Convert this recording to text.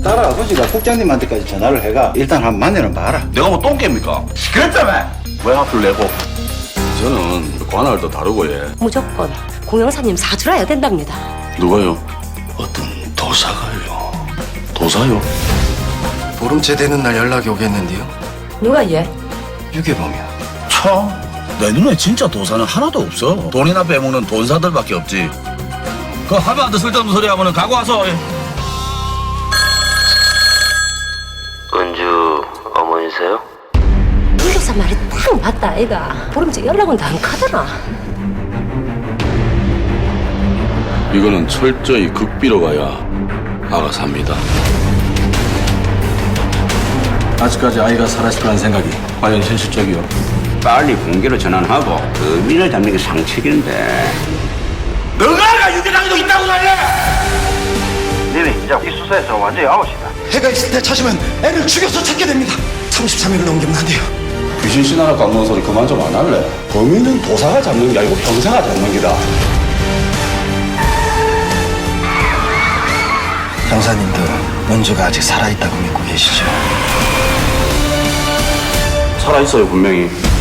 딸 아버지가 국장님한테까지 전화를 해가 일단 한번 만나는 봐라. 내가 뭐 똥개입니까? 시끄럽다며! 왜 화풀 내고? 저는 관할도 다르고 예. 무조건 공영사님 사주라야 된답니다. 누가요? 어떤 도사가요. 도사요? 보름째 되는 날 연락이 오겠는데요. 누가 얘? 유괴범이요. 참, 내 눈에 진짜 도사는 하나도 없어. 돈이나 빼먹는 돈사들밖에 없지. 그 하루한테 쓸데없는 소리 하면은 가고 와서. 은주 어머니세요? 윤교사 말이 딱 맞다 아이가. 보름째 연락은 안 가더라. 이거는 철저히 극비로 가야 아가 삽니다. 아직까지 아이가 살아있다는 생각이 과연 현실적이요? 빨리 공개로 전환하고 의미를 잡는 게 상책인데. 너가 유괴당해도 있다고 말해! 너는 이제 이 수사에서 완전히 아웃이다. 해가 있을 때 찾으면 애를 죽여서 찾게 됩니다. 33일을 넘기면 안 돼요. 귀신 신하나 깎는 소리 그만 좀 안 할래? 범인은 도사가 잡는 게 아니고 형사가 잡는 기다. 형사님도 은주가 아직 살아있다고 믿고 계시죠? 살아있어요 분명히.